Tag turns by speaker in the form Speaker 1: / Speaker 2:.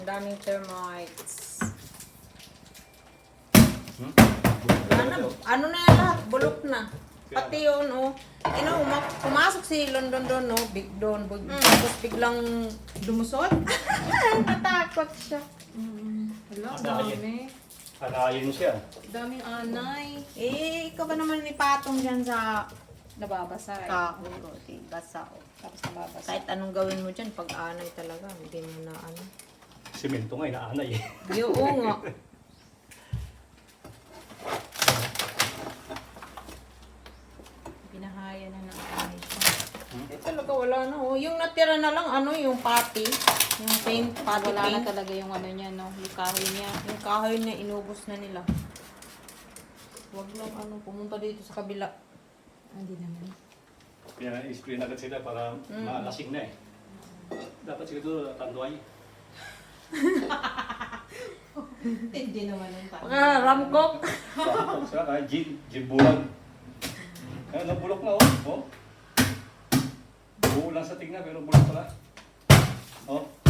Speaker 1: Daming termites. Ano na yan lahat? Bulok na. Pati yun, oh. Pumasok si London doon, no? Tapos biglang lumusot. Natakot siya.
Speaker 2: Hala, dami.
Speaker 3: Kanayin siya.
Speaker 2: Daming anay.
Speaker 1: Ikaw ba naman ipatong dyan sa
Speaker 2: Nababasa eh.
Speaker 1: kahoy o basa o.
Speaker 2: Tapos nababasa.
Speaker 1: Kahit anong gawin mo dyan, pag-anay talaga, hindi mo na ano.
Speaker 3: Simento nga, inaanay eh.
Speaker 1: Oo nga.
Speaker 2: Pinahaya na ng anay siya.
Speaker 1: Talaga wala na. Oh. Yung natira na lang, yung pati. Yung paint, pati
Speaker 2: Wala na
Speaker 1: paint.
Speaker 2: talaga yung ano niya, no? Yung kahoy niya.
Speaker 1: Yung kahoy na inubos na nila. Huwag lang pumunta dito sa kabila.
Speaker 2: Hindi naman.
Speaker 3: Pina-spray na agad sila para maalasing na eh. Dapat siguro tanduay.
Speaker 2: Hindi naman yung tayo.
Speaker 1: Ramkok.
Speaker 3: Saka kahit bulag. Ayun, nabulok na oh. Buo lang sa tingnan pero bulok pala. Oh.